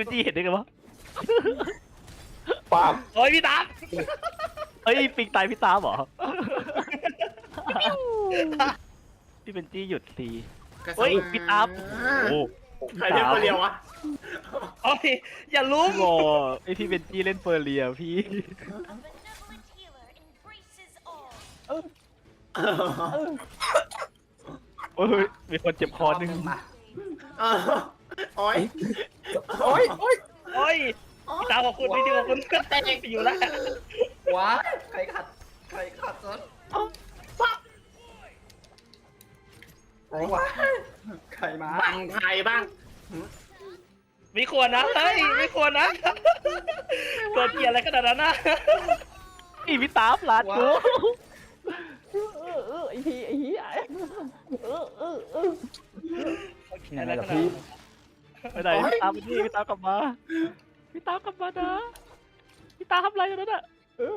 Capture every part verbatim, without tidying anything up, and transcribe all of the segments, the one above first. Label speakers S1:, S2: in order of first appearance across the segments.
S1: เป็นจี้เห็นได้ไงวะ
S2: ปั๊บ
S3: โอ้ยพี่ตาม
S1: เฮ้ยปิงตายพี่ตามเหรอพี่เป็นจี้หยุดทีเฮ้ยพี่ตามโอ้
S2: ใครเล่นคนเดียววะ
S3: โอ้ยอย่าลุ้ม
S1: โง่ไอพี่เป็นจี้เล่นเฟอร์เรียพี่โอ้ยมีคนเจ็บคอหนึ่ง
S4: มา
S2: โอ้ย
S4: โอ้ยโอ้ย
S3: โอ้ยพี่ตามขอบคุณพี่ที่ขอบคุณก็แตกอยู่แล้ว
S4: ว้าใครขัดใครขัดซะว้าใครมา
S2: บังไทยบ้าง
S3: ไม่ควรนะเฮ้ยไม่ควรนะเกิดเกียร์อะไรขนาดนั้นนะ
S1: อีพี่ตามลาดกู
S5: ไอ้พี่ไอ้เหี้ยเออเออเออ
S3: อะไรขนาดนั้น
S1: ไปไหนพี่ตามไปนี่พี่ตามกลับมาพี่ตามกลับมานะพี่ตามทำอะไรกันนั่นอ่ะ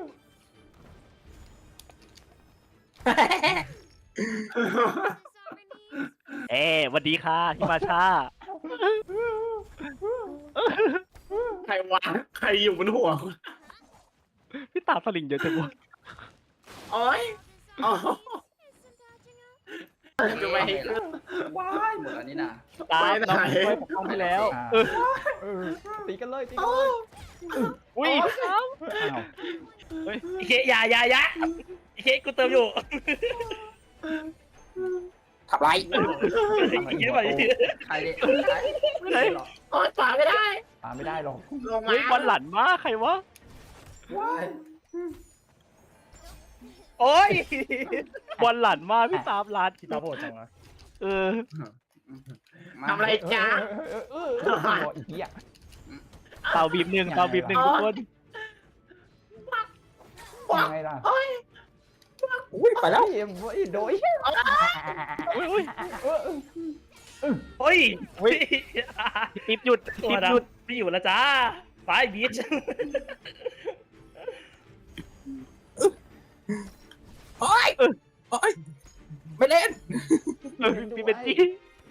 S1: เอ๊สวัสดีค่ะพี่มาชา
S2: ใครวะใครอยู่บนหัว
S1: พี่ตามสลิงเยอะจังวะ
S2: โอ้ยจะไปให้ขึ้น
S4: ว้ายหมดแล้วนี่นะ
S1: ตาม
S2: ไปไหน
S1: เราไปปกป้องพี่แล้วเออ
S5: เออตีกันเลยตีกันเลย
S1: อุ้ยตาม
S5: อ้าว
S1: เฮ้ย
S3: ไอ้เคอย่าอย่าอย่าไอ้เคกูเติมอยู่
S2: ทำไร
S3: ไอ้เคไป
S4: ใครเนี่ยใคร
S1: ไปไหน
S2: โอ้ยป่าไม่ได้
S5: ตามไม่ได้หรอก
S2: ลงมา
S1: เฮ้ยบอลหลันมากใครวะ
S4: ว้าย
S3: โอ้ย
S1: บอลหลันมากพี่ตามลาด
S5: พี่ตาโหดจังวะ
S1: เออ
S2: ทำอะไรจ้า
S5: เออเออเออเอออีกเหี้ย
S1: เตาบีบหนึ่งเตาบีบหนึ่งทุกคน
S5: ยังไงล่ะ
S2: อุ้ยไปแล้ว
S5: เอ็มไอ้โดย
S1: อุ้ยอุ้ย
S5: เออ
S3: โอ้ย
S1: ติ๊บหยุด
S3: ตัว
S1: ติ๊บ
S3: ด
S1: หยุด
S3: ำไม่อยู่แล้วจ้าไฟบีช
S2: โอ้ยโอ้ยไม่เล่น
S1: เออพี่เป็นจี้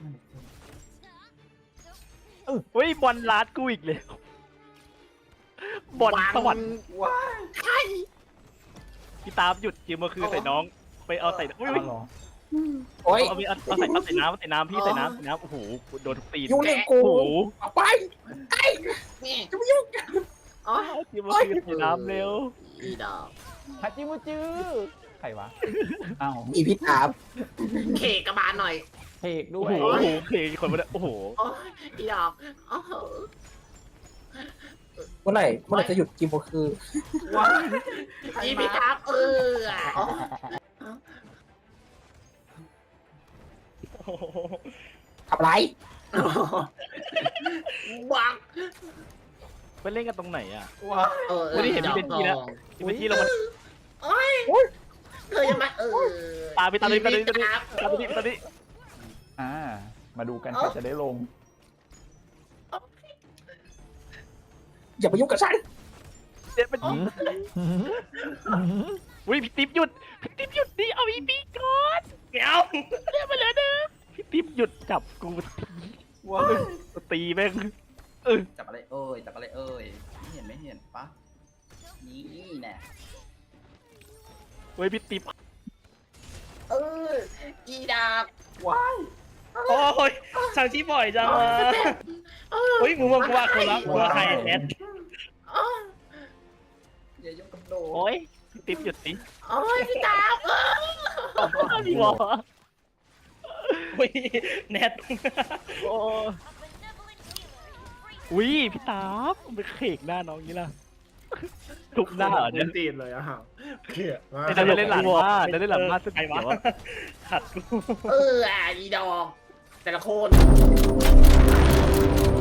S1: เฮ้ยบอลลาดกูอีกเลยบอลสวรรค์
S4: ว้าย
S2: ใช่
S1: พี่ตามหยุดยืมมาคือใส่น้องไปเอาใส่อุ้ย
S5: เอาเหรอ
S2: โอ้ย
S1: เอาไปเอาใส่เอาใส่น้ำใส่น้ำพี่ใส่น้ำใส่น้ำโอ้โหโดนทุกตีน
S2: ยุ่งเล่น
S1: โอ้
S2: กู
S1: โห
S2: เอาไปไอ้นี่จะไม่ยุ่งอ๋อ
S1: ยืมมาคือใส่น้ำเร็ว
S2: อีดอก
S5: ฮัจิมุจือใครวะอ้าว
S2: อีพี่ถามเคกระบาลหน่อย
S5: เพกด้
S1: โอ้
S5: ว
S1: โห
S5: ย
S1: โอ้โหเพลงคนมาเนี่ยโอ้โห
S2: โอ้ยอีดอกโอ้โหเมื่อไหร่เมื่อไหร่จะหยุดกินโมคือว้าอีพี่ถามเออ ทำไรบัง
S1: ไปเล่นกันตรงไหนอ่ะ
S4: ว้าย
S2: เออ
S1: ไม่ได้เห็นพี่เป็นจี้แล้วพี่เป็นจี้ลงมา
S2: โอ้ยเธอยังมาเออ
S1: ตามไปตามไปตามไปตามไปตามไปตามไป
S5: อ่ามาดูกันใครจะได้ลง
S2: อย่ามายุ่งกับฉัน
S1: เจ็บเป็นอุ้ยพี่ติ๊บหยุดพี่ติ๊บหยุดดิเอาอีปีก่อน
S3: เดี๋ยว
S1: เรียกมาเลยนะพี่ติ๊บหยุดจับกูที
S4: ว้าย
S1: ตีแม่งเออ
S4: จับอะไรเอ้ยจับอะไรเอ้ยไม่เห็นไม่เห็นปะนี่แน่
S1: เฮ้ยพี่ติ๊บ
S2: เอออีดาบ
S4: ว้าย
S3: โอ้ยช่างที่บ่อยจังวะเฮ้ยมึงว่ากูว่าคนละกูว่าใครแอด
S4: อย่ายุ่งกับโด
S1: โอ้ยพี่ติ๊บหยุดดิ
S2: โอ้ยพี่ดาบเออ
S1: พี่วอ
S3: เฮ้ยแนท
S1: โอ้อุ้ยพี่ตาบไปเขกหน้าน้องนี้ล่ะทุกหน้าเหรอเนี่ย
S2: ตีนเลยอ่ะเขียด
S1: ไอ้เราจะเล่นหลังบ้านเราเล่นหลังบ้านสุด
S3: ใคร
S1: เดี๋ยว
S3: วะขัดกู
S2: เอออีดอกแต่ละคน